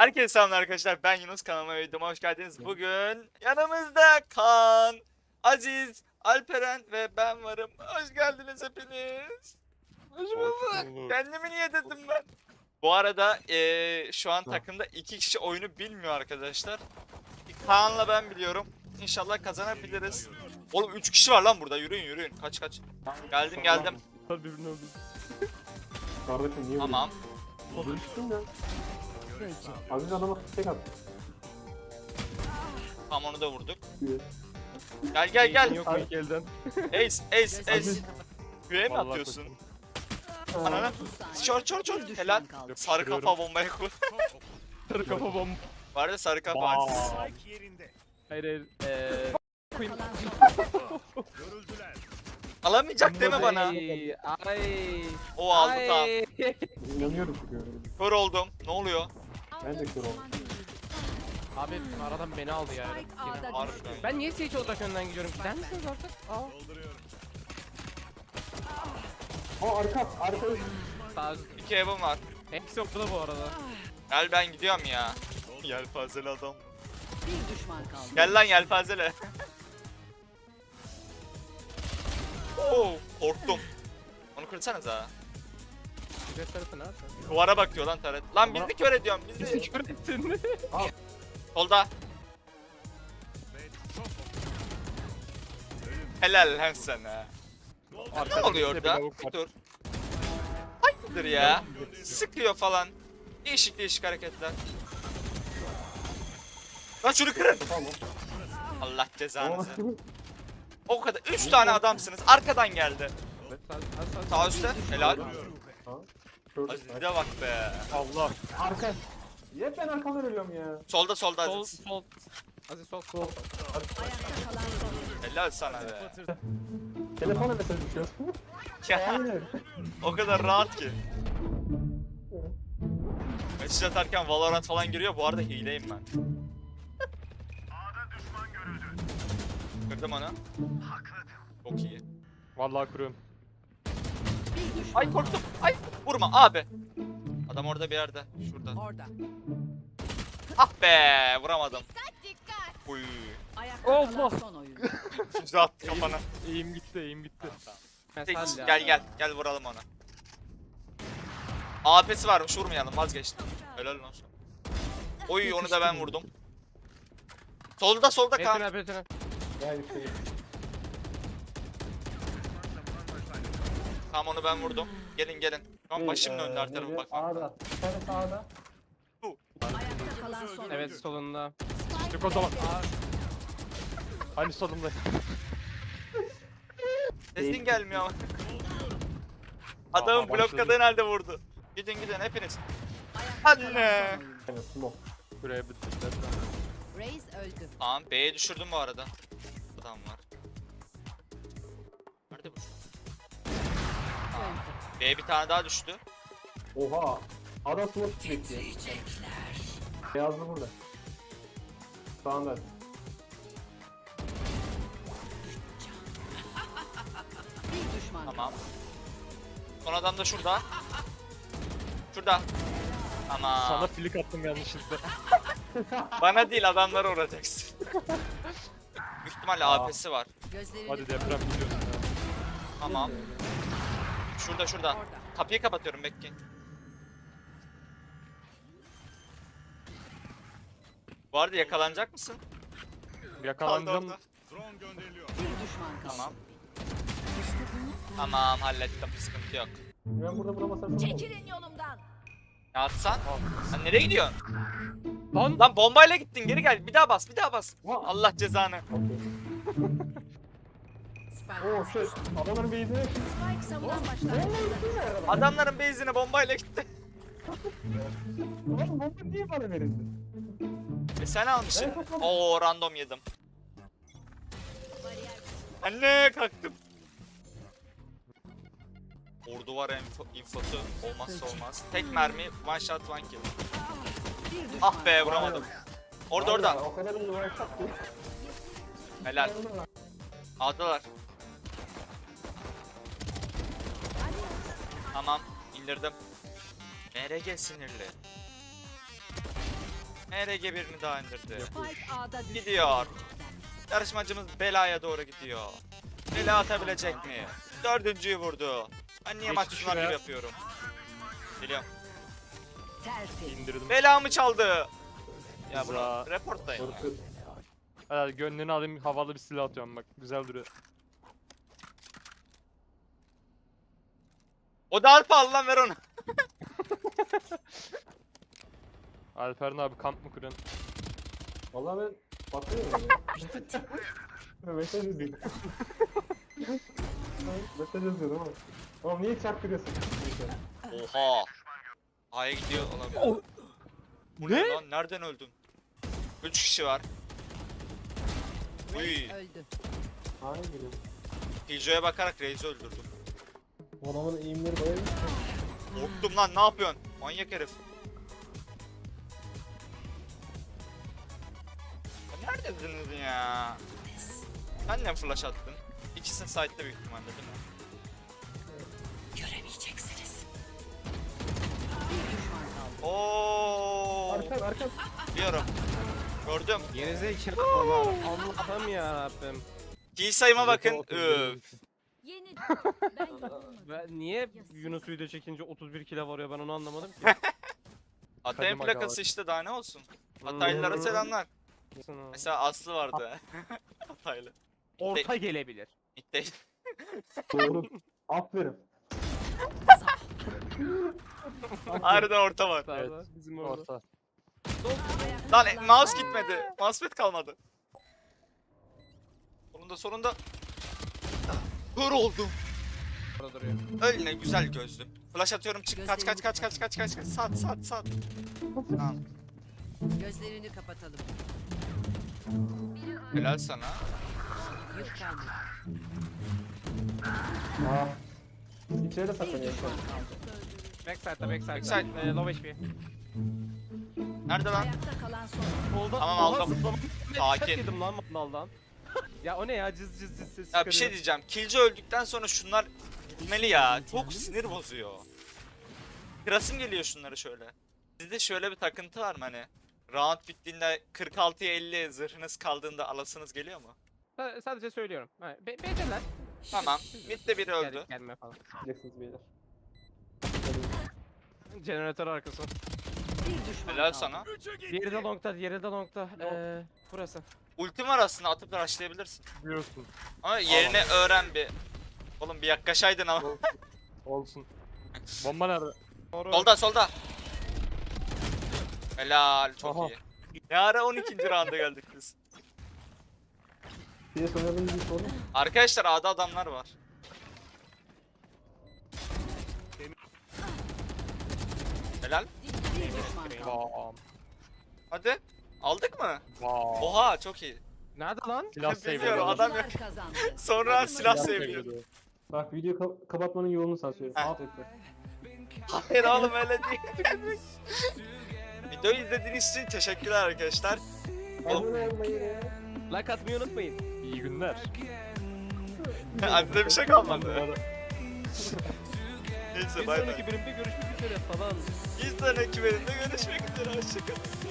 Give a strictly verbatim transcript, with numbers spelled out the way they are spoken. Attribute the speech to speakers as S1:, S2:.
S1: Herkese selamlar arkadaşlar. Ben Yunus, kanalıma ve videoma hoş geldiniz. Bugün yanımızda Kaan, Aziz, Alperen ve ben varım. Hoş geldiniz hepiniz. Hoş bulduk. Kendimi niye dedim ben? Bu arada eee, şu an takımda iki kişi oyunu bilmiyor arkadaşlar. Kaan'la ben biliyorum. İnşallah kazanabiliriz. Oğlum üç kişi var lan burada. Yürüyün yürüyün. Kaç kaç. Geldim geldim.
S2: Birbirini öldürdü.
S3: Kardeşim niye
S1: Tamam.
S3: vuruyorsun? Düştüm ya. Aziz adama tek at.
S1: Tamam, onu da vurduk.
S3: diyor.
S1: Gel gel gel.
S2: Yok mu ilk elden?
S1: Ace ace ace.
S3: Aziz.
S1: Güve mi
S2: Vallahi
S1: atıyorsun?
S3: Aa,
S1: Ananı. Çor çor çor. Helal. Sarı kafa bombaya koy.
S2: Sarı kafa bomba.
S1: Var ya sarı kafa.
S2: Vaa.
S1: Aziz.
S2: Hayır hayır. Eee. Koyayım.
S1: Alamayacak deme bana.
S2: Ay. Ay.
S1: O aldı tamam.
S2: Ay.
S3: İnanıyorum çünkü.
S1: Kör oldum. Ne oluyor?
S3: Ben de kör oldum.
S2: Abi aradan beni aldı ya.
S1: Harbiden.
S2: Ben niye Sage olarak önden gidiyorum? Gider misiniz artık? Aa.
S3: Aa arka, arka.
S2: Sağ
S1: İki evim var.
S2: hepsi yoktu da bu arada.
S1: Gel ben gidiyorum ya. Yelpazeli adam.
S4: Bir düşman kaldı.
S1: Gel lan yelpazeli. Oo, korktum. Onu kırsanıza.
S2: Güzel tarafı nerede?
S1: Duvara bakıyor lan taret. Lan bizi kör ediyorum bizi.
S2: Bizi kör ettin.
S1: Solda. Helal lan sana. Ne oluyor orada? Bir dur. Hayırdır ya? Sıkıyor falan. Değişik değişik hareketler. Lan şunu kırın.
S3: Tamam.
S1: Allah cezanızı.
S3: Aa,
S1: O kadar. Üç tane adamsınız. Arkadan geldi.
S2: Evet, sağ- sağ- sağ-
S1: Sağ üstte. Helal.
S3: Ha, kör.
S1: Aziz'e bak be.
S2: Allah.
S3: Arka. Niye ben arkadan ölüyorum ya?
S1: Solda solda
S2: Sol
S1: Aziz.
S2: sol. Aziz sol.
S3: Sol.
S4: Ayakta kalan son.
S1: Helal sana be.
S3: Telefona mesaj düşüyor.
S1: Ya,
S3: Aynen.
S1: o kadar rahat ki. Mesaj atarken Valorant falan giriyor. Bu arada hileyim ben. Kırdım onu. Çok iyi.
S2: Vallahi kuruyorum.
S4: Bir düşman
S1: Ay korktum. Ay vurma abi. Adam orada bir yerde. Şurada.
S4: orada.
S1: Ah be vuramadım. Uy.
S4: Ayakta
S2: Allah!
S4: kalan son oyun.
S1: Füze attı kafana.
S2: Eğim gitti, eğim gitti.
S1: Tek-
S2: Mesaj ya.
S1: Gel gel gel vuralım onu. A P'si varmış vurmayalım vazgeçtim. Helal olsun. Oy onu da ben vurdum. Solda solda kan.
S2: Betine betine.
S3: Gel işte.
S1: Tamam onu ben vurdum. Gelin gelin. Şu an başımın önünde her tarafa bak.
S3: Sağda. Bir tane sağda.
S4: Ayakta kalan son
S2: Evet
S4: oyun.
S2: solunda. Çık o zaman. Aa. Hani solunda.
S1: Sesin gelmiyor ama. Adamın
S2: Aa,
S1: blokladığı halde vurdu. Gidin gidin hepiniz.
S4: Ayakta
S1: Anne.
S4: kalan son oyun.
S3: Aynen smoke.
S2: Buraya bitirdiler.
S4: Reis öldü.
S1: Tamam B'ye düşürdüm bu arada. Adam var. Nerede bu? Tamam. B'ye bir tane daha düştü.
S3: Oha. Adam smoke bekliyor. Beyazlı burada. Sağında.
S4: Bir düşman
S1: Tamam. Son adam da şurada. Şurada. Tamam.
S2: Sana flik attım yanlışlıkla.
S1: Bana değil adamlara uğrayacaksın. Büyük ihtimalle
S2: Aa.
S1: A P'si var.
S4: Gözlerini
S2: Hadi deprem gidiyorsun ya.
S1: Tamam. Şurada şurada.
S4: orada.
S1: Kapıyı kapatıyorum bekleyin. Bu arada yakalanacak mısın? Kaldı
S2: Yakalanacağım.
S1: orada.
S4: Bir düşman kaldı.
S1: Tamam. Tamam hallettim sıkıntı yok.
S3: Ben burada vuramasam çok olur.
S4: Çekilin yolumdan.
S1: Ne atsan? Sen nereye gidiyorsun?
S2: Lan.
S1: Lan bombayla gittin geri gel. Bir daha bas bir daha bas.
S3: Vah.
S1: Allah cezanı.
S3: Okey.
S4: Spike.
S3: Oo şey. Adamların beyzine.
S4: Spike savunan başlangıçta.
S1: Adamların base'ine bombayla gitti.
S3: Oğlum bomba niye bana verildi?
S1: E sen almışsın.
S3: Ben kapadım.
S1: Oo random yedim. Anne kalktım. Ordu var info, infosu olmazsa olmaz. Tek mermi one shot one kill.
S4: Bir düşman.
S1: Ah be vuramadım. Orada orada.
S3: O kadar iyi uğraştık ki.
S1: Helal. Aldılar. Tamam indirdim. M R G sinirli. M R G birini daha indirdi.
S4: Spike A'da düştü.
S1: Gidiyor. Yarışmacımız belaya doğru gidiyor. Bela atabilecek mi? Dördüncüyü vurdu. Ben niye
S2: Geçti
S1: maç sunar gibi
S2: şuraya.
S1: yapıyorum? Biliyorum.
S4: Tertemiz.
S2: İndirdim.
S1: Belamı çaldı. Ya bunu
S2: Za-
S1: reportlayın ya.
S3: Korku.
S2: Hadi gönlünü alayım, havalı bir silah atıyorum bak. Güzel duruyor.
S1: O da alfa al lan ver onu.
S2: Alperen abi kamp mı kuruyorsun?
S3: Vallahi ben bakıyorum ya. Mesaj yazıyorum. Mesaj yazıyorum ama. Oğlum niye çarptırıyorsun? Neyse.
S1: Oha. A'ya gidiyor olabilir. Bu ne lan? Nereden öldün? üç kişi var. Uy.
S4: Öldü.
S3: Hayır geliyorum.
S1: Killjoy'a bakarak Reis'i öldürdüm.
S3: Bu adamın eğimleri bayağı iyi.
S1: Korktum lan, ne yapıyorsun? Manyak herif. Ya neredesiniz ya? Sen ne flash attın? İkisini site'de büyük ihtimalle değil mi?
S4: Göremeyeceksiniz. Bir düşman kaldı.
S1: Oo.
S3: Arkan arkan.
S1: Biliyorum. Gördüm.
S5: Gerizekalı Allah'ım yarabbim.
S1: Kill sayıma bakın. Üf.
S4: Yeni ben yorulmadım.
S5: Ben niye Yunus video çekince otuz bir kilo varıyor ben onu anlamadım ki.
S1: Atay'ın
S2: Kadim aga
S1: plakası
S2: var.
S1: işte, daha ne olsun. Hataylılara selamlar.
S5: Sana-
S1: Mesela Aslı vardı. Hataylı.
S5: Orta gelebilir.
S1: İtte.
S3: Doğru. Aferin.
S1: Harbiden orta var.
S5: Sağda, bizim orada.
S2: Orta.
S4: Ayakta
S1: Lan
S4: kalan
S1: mouse
S4: son
S1: gitmedi. Mousepad kalmadı. Sonunda sonunda. Kör oldum.
S5: Orada duruyor.
S1: Öyle güzel gözlüm. Flash atıyorum, çık, kaç kaç kaç kaç kaç kaç kaç. Sat sat sat. Tamam.
S4: Gözlerini kapatalım.
S1: Helal sana.
S4: Yük kaldı.
S3: Aa. İçeride
S4: Bir
S3: saklanıyor.
S4: düşman kaldı.
S5: Backside'da backside'da.
S1: Backside.
S5: Ee, low H P.
S1: Nerede lan?
S4: Ayakta kalan son.
S5: Solda.
S1: Tamam,
S5: Oha,
S1: aldım.
S5: zıplama.
S1: Sakin.
S5: Sakin. Yedim lan mandaldan. Ya o ne ya cız cız cız ses
S1: Ya bir
S5: çıkarıyor.
S1: şey diyeceğim. Killjoy öldükten sonra şunlar gitmeli ya. Çok sinir bozuyor. Kırasım geliyor şunları şöyle. Sizde şöyle bir takıntı var mı hani? Round bittiğinde kırk altıya elli zırhınız kaldığında alasınız geliyor mu?
S5: Sa- Sadece söylüyorum. Ha, be B'deler.
S1: Tamam. Mid'de biri öldü.
S5: Gel, gelme falan.
S3: Bileceksiniz beyler.
S5: Jeneratör arkası.
S4: Bir düşman
S1: Helal
S4: kaldı.
S1: sana.
S5: Diğeri de longta, diğeri de longta. Ee, burası.
S1: Ultim var aslında, atıp rushlayabilirsin.
S2: Biliyorsun.
S1: Ama yerini öğren bir. Oğlum bir yaklaşaydın ama.
S2: Olsun. Bomba nerede?
S1: Solda solda. Helal, çok
S2: Aha.
S1: iyi. Ne ara on ikinci rounda geldik biz.
S3: P S oynadığınız bir sorun.
S1: Arkadaşlar A'da adamlar var. Helal.
S4: Bir düşman kaldı.
S2: Bam.
S1: Hadi. Aldık mı?
S2: Bam.
S1: Oha, çok iyi.
S5: Nerede lan?
S2: Silah
S1: Bilmiyorum,
S2: seviyorum.
S1: adam
S4: Oyuncular
S1: yok.
S4: kazandı.
S1: Sonra silah
S3: Silah
S1: seviyor.
S3: Bak videoyu ka- kapatmanın yolunu sana söyleyeyim.
S1: Heh.
S3: Alt ekle.
S1: Hayır oğlum, öyle değil. Videoyu izlediğiniz için teşekkürler arkadaşlar. Oğlum,
S3: Abone olmayı.
S5: Like atmayı unutmayın.
S2: İyi günler.
S1: Aslında bir şey kalmadı. Neyse
S5: Bir
S1: bay bay.
S5: sonraki bölümde görüşmek üzere falan.
S1: Bir sonraki bölümde görüşmek üzere. Hoşçakalın.